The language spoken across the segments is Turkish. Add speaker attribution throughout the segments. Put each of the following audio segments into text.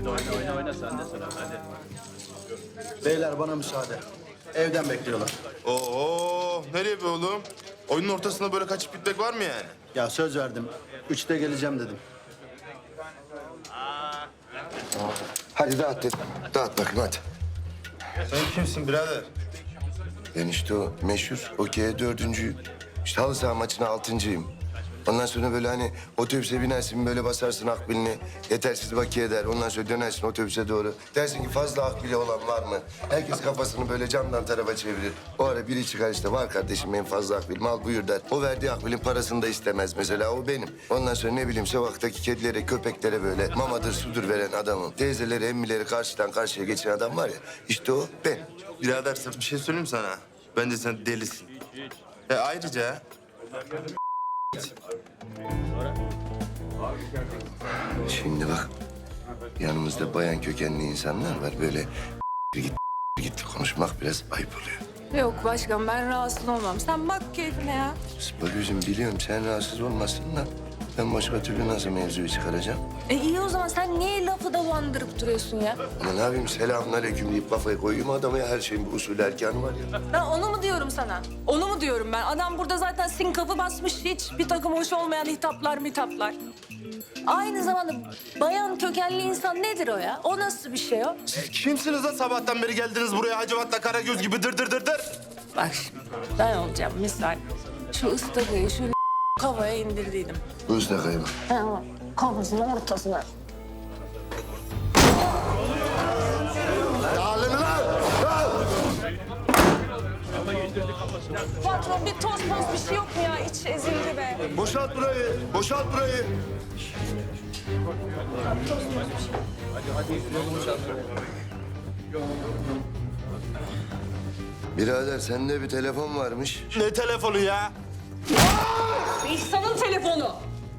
Speaker 1: Oyna sen de sıra hadi.
Speaker 2: Beyler bana müsaade. Evden bekliyorlar.
Speaker 3: Oo, nereye be oğlum? Oyunun ortasında böyle kaçıp gitmek var mı yani?
Speaker 2: Ya söz verdim. 3'te geleceğim dedim.
Speaker 4: Hadi dağıt dedim. Dağıt bakayım hadi.
Speaker 3: Sen kimsin birader?
Speaker 4: Ben işte o meşhur okey'e 4.'üyüm. İşte halı saha maçına 6.'yım. Ondan sonra böyle hani otobüse binersin böyle basarsın akbilini. Yetersiz bakiye eder. Ondan sonra dönersin otobüse doğru. Dersin ki fazla akbili olan var mı? Herkes kafasını böyle camdan tarafa çevirir. O ara biri çıkar işte var kardeşim en fazla akbilim al buyur der. O verdiği akbilin parasını da istemez mesela o benim. Ondan sonra ne bileyim sokaktaki kedilere köpeklere böyle mamadır sudur veren adamım. Teyzeleri emmileri karşıdan karşıya geçen adam var ya işte o ben.
Speaker 3: Birader sen bir şey söyleyeyim mi sana? Bence sen delisin. Ayrıca
Speaker 4: Şimdi bak yanımızda bayan kökenli insanlar var böyle git konuşmak biraz ayıp oluyor.
Speaker 5: Yok başkan ben rahatsız olmam. Sen bak keyfine ya.
Speaker 4: Bak gözüm biliyorum sen rahatsız olmasın da ben başka türlü nasıl mevzuyu çıkaracağım?
Speaker 5: İyi o zaman sen niye lafı dolandırıp duruyorsun ya?
Speaker 4: Ama ne yapayım selamünaleyküm deyip kafaya koyayım adama ya her şeyin bir usulü erkanı var ya.
Speaker 5: Ben onu mu diyorum sana? Onu mu diyorum ben? Adam burada zaten sinkafı basmış hiç bir takım hoş olmayan hitaplar. Aynı zamanda bayan kökenli insan nedir o ya? O nasıl bir şey o?
Speaker 3: siz kimsiniz da sabahtan beri geldiniz buraya Hacivat'la Karagöz gibi dır dır dır dır?
Speaker 5: Bak şimdi ben olacağım misal. Şu ıstakayı şu kafaya indirdiydim.
Speaker 4: Bu ıstakayı bak.
Speaker 5: Ha, kafasının ortasına.
Speaker 4: Dağılın lan!
Speaker 5: Patron bir toz bir şey yok mu ya? İç ezildi be.
Speaker 4: Boşalt burayı, boşalt burayı. Birader sende bir telefon varmış.
Speaker 3: Ne telefonu ya?
Speaker 5: İhsan'ın telefonu.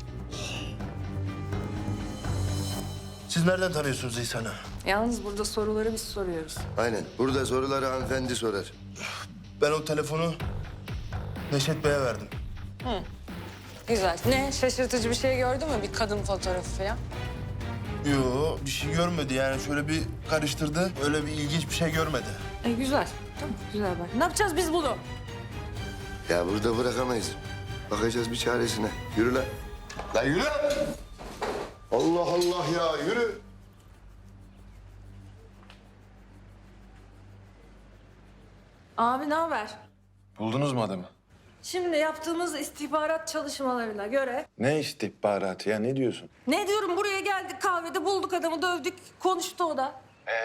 Speaker 3: Siz nereden tanıyorsunuz İhsan'ı?
Speaker 5: Yalnız burada soruları biz soruyoruz.
Speaker 4: Aynen. Burada soruları hanımefendi sorar.
Speaker 3: Ben o telefonu Neşet Bey'e verdim.
Speaker 5: Güzel. Ne? Şaşırtıcı bir şey gördün mü? Bir kadın fotoğrafı falan.
Speaker 3: Yo, bir şey görmedi yani. Şöyle bir karıştırdı. Öyle bir ilginç bir şey görmedi.
Speaker 5: Güzel. Tamam, güzel bak. Ne yapacağız biz bunu?
Speaker 4: Ya burada bırakamayız. Bakacağız bir çaresine. Yürü lan. Lan yürü. Allah Allah ya yürü.
Speaker 5: Abi ne haber?
Speaker 6: Buldunuz mu adamı?
Speaker 5: Şimdi yaptığımız istihbarat çalışmalarına göre...
Speaker 6: Ne istihbaratı ya ne diyorsun?
Speaker 5: Ne diyorum buraya geldik kahvede bulduk adamı dövdük. Konuştu o da.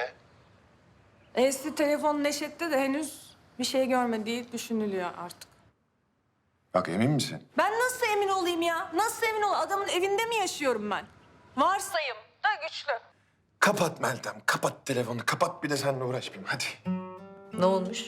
Speaker 5: Eski telefon Neşet'te de henüz bir şey görmediği düşünülüyor artık.
Speaker 6: Bak emin misin?
Speaker 5: Ben nasıl emin olayım ya? Nasıl emin olayım? Adamın evinde mi yaşıyorum ben? Varsayım da güçlü.
Speaker 6: Kapat Meltem, kapat telefonu. Kapat bir de seninle uğraşmayayım hadi.
Speaker 5: Ne olmuş?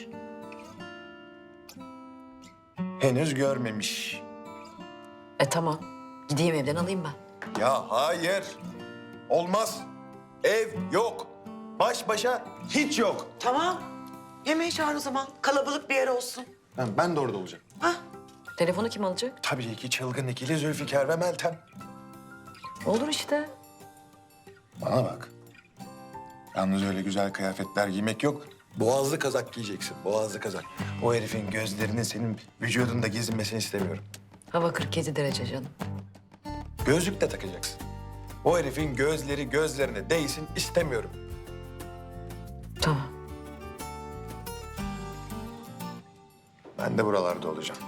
Speaker 6: Henüz görmemiş.
Speaker 7: Tamam. Gideyim evden alayım ben.
Speaker 6: Ya hayır. Olmaz. Ev yok. Baş başa hiç yok.
Speaker 8: Tamam. Yemeği çağır o zaman. Kalabalık bir yer olsun.
Speaker 6: Ben de orada olacağım.
Speaker 7: Telefonu kim alacak?
Speaker 6: Tabii ki çılgın ikili Zülfikar ve Meltem.
Speaker 7: Olur işte.
Speaker 6: Bana bak. Yalnız öyle güzel kıyafetler giymek yok. Boğazlı kazak giyeceksin, boğazlı kazak. O herifin gözlerinin senin vücudunda gezinmesini istemiyorum.
Speaker 7: Hava 47 derece canım.
Speaker 6: Gözlük de takacaksın. O herifin gözleri gözlerine değsin istemiyorum.
Speaker 7: Tamam.
Speaker 6: Ben de buralarda olacağım.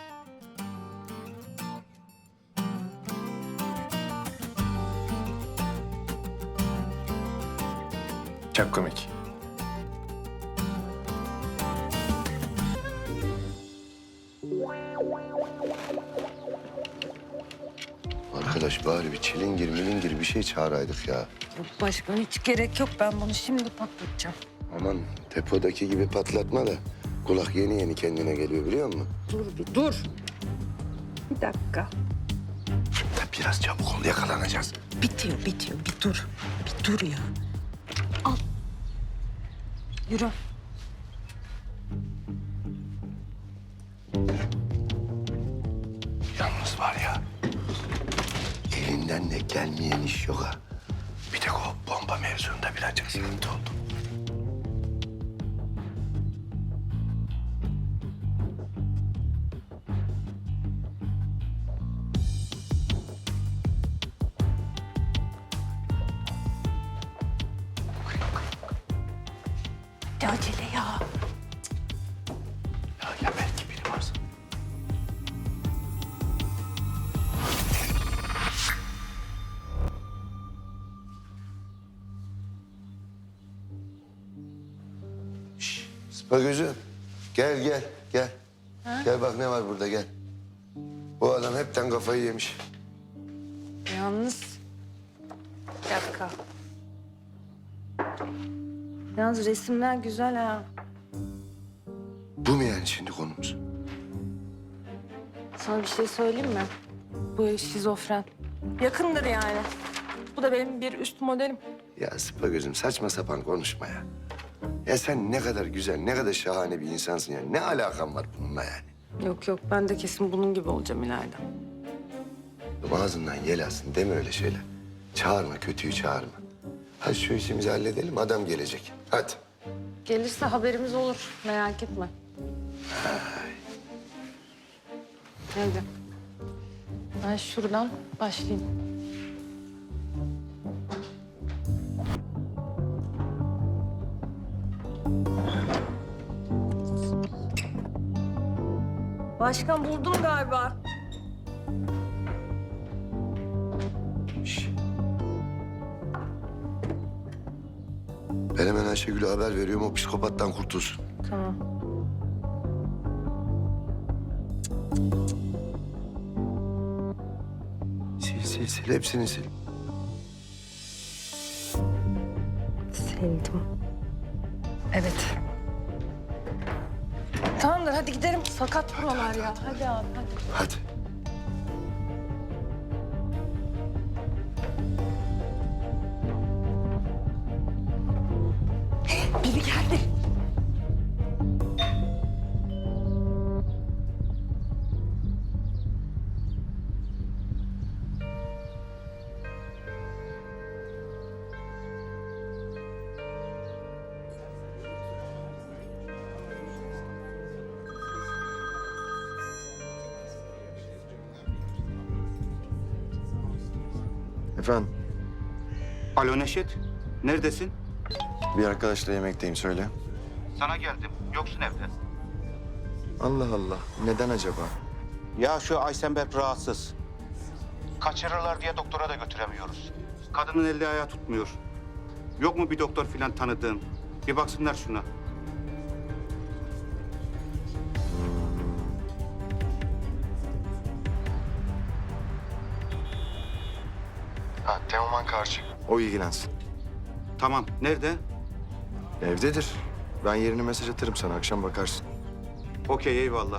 Speaker 6: Çok komik.
Speaker 4: Arkadaş bari bir çilingir milingir bir şey çağıraydık ya.
Speaker 5: Yok başkan hiç gerek yok. Ben bunu şimdi patlatacağım.
Speaker 4: Aman depodaki gibi patlatma da kulak yeni yeni kendine geliyor biliyor musun?
Speaker 5: Dur. Bir dakika.
Speaker 4: Tabii biraz çabuk ol yakalanacağız.
Speaker 8: Bitiyor. Bir dur. Bir dur ya.
Speaker 5: Yürü.
Speaker 4: Yalnız var ya elinden de gelmeyen iş yok ha. Bir tek o bomba mevzu. Televizyonda birazcık sıkıntı oldu.
Speaker 5: Ne acele ya.
Speaker 4: Ya belki biri varsa. Şşş, Sıpa gözüm. Gel gel gel. Gel bak ne var burada gel. Bu adam hepten kafayı yemiş.
Speaker 5: Yalnız... Bir dakika. Yalnız resimler güzel ha.
Speaker 4: Bu mu yani şimdi konumuz?
Speaker 5: Sana bir şey söyleyeyim mi? Bu şizofren. Yakındır yani. Bu da benim bir üst modelim.
Speaker 4: Ya Sıpa gözüm saçma sapan konuşma ya. Ya sen ne kadar güzel, ne kadar şahane bir insansın ya. Ne alakan var bununla yani?
Speaker 5: Yok yok, ben de kesin bunun gibi olacağım ileride.
Speaker 4: Ağzından yel alsın deme öyle şeyler. Çağırma, kötüyü çağırma. Hadi şu işimizi halledelim, adam gelecek. Hadi.
Speaker 5: Gelirse haberimiz olur, merak etme. Hadi. Ben şuradan başlayayım. Başkan buldum galiba.
Speaker 4: Şş. Ben hemen Ayşegül'e haber veriyorum, o psikopattan kurtulsun.
Speaker 5: Tamam.
Speaker 4: Sil, hepsini sil.
Speaker 5: Sildim. Evet. Tamamdır, hadi gidelim. Sakat buralar ya. Hadi abi, hadi.
Speaker 4: Hadi.
Speaker 5: Biri geldi.
Speaker 6: Efendim,
Speaker 9: Alo Neşet, neredesin?
Speaker 6: bir arkadaşla yemekteyim söyle.
Speaker 9: Sana geldim, yoksun evde.
Speaker 6: Allah Allah, neden acaba?
Speaker 9: Ya şu Aysenberk rahatsız. Kaçırırlar diye doktora da götüremiyoruz. Kadının eli ayağı tutmuyor. Yok mu bir doktor falan tanıdığın? Bir baksınlar şuna.
Speaker 6: Ha, Teoman Karşı. O ilgilensin.
Speaker 9: Tamam, nerede?
Speaker 6: Evdedir. Ben yerini mesaj atarım sana, akşam bakarsın.
Speaker 9: Okey, eyvallah.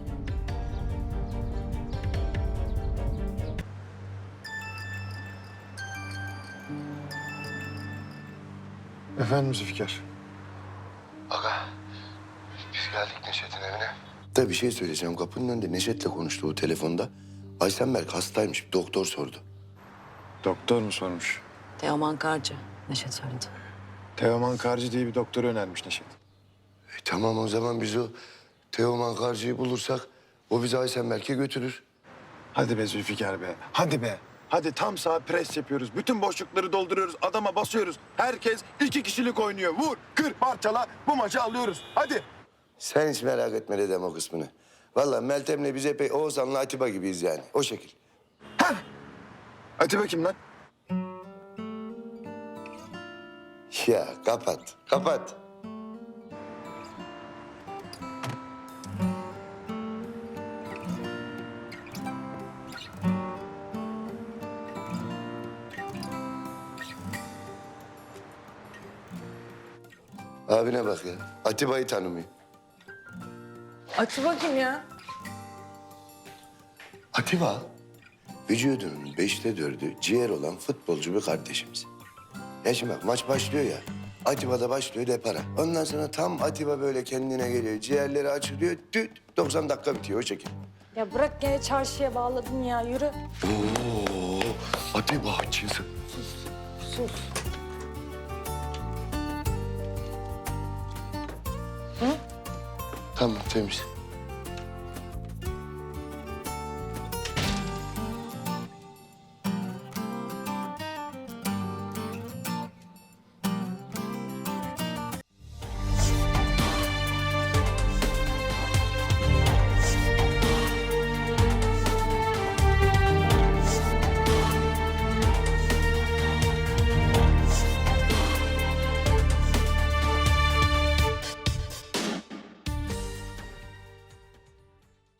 Speaker 6: Efendim Zülfikar.
Speaker 4: Aga, biz geldik Neşet'in evine. Da bir şey söyleyeceğim. Kapının önünde Neşet'le konuştu o telefonda. Aysenberk hastaymış, bir doktor sordu.
Speaker 6: Doktor mu sormuş?
Speaker 7: Teoman Karcı. Neşet söyledi.
Speaker 6: Teoman Karcı diye bir doktor önermiş Neşet.
Speaker 4: Tamam o zaman biz o Teoman Karcı'yı bulursak o bizi Aysenberk'e götürür.
Speaker 6: Hadi be Zülfikar be, hadi be. Hadi tam sağ pres yapıyoruz. Bütün boşlukları dolduruyoruz. Adama basıyoruz. Herkes 2 kişilik oynuyor. Vur, kır, parçala. Bu maçı alıyoruz. Hadi.
Speaker 4: Sen hiç merak etme dedem o kısmını. Vallahi Meltem'le biz epey Oğuzhan'la Atiba gibiyiz yani. O şekil.
Speaker 6: Hadi bakayım lan.
Speaker 4: Ya kapat, kapat. Abine bak ya. Atiba'yı tanımıyor.
Speaker 5: Aç bakayım ya.
Speaker 4: Atiba, vücudunun 4'ü ciğer olan futbolcu bir kardeşimiz. Ya şimdi bak maç başlıyor ya. Atiba da başlıyor depara. Ondan sonra tam Atiba böyle kendine geliyor. Ciğerleri açılıyor. Düt 90 dakika bitiyor o şekil.
Speaker 5: Ya bırak gene çarşıya bağladın ya, yürü.
Speaker 4: Oo, Atiba açılsın.
Speaker 5: Sus.
Speaker 4: Tamam temiz.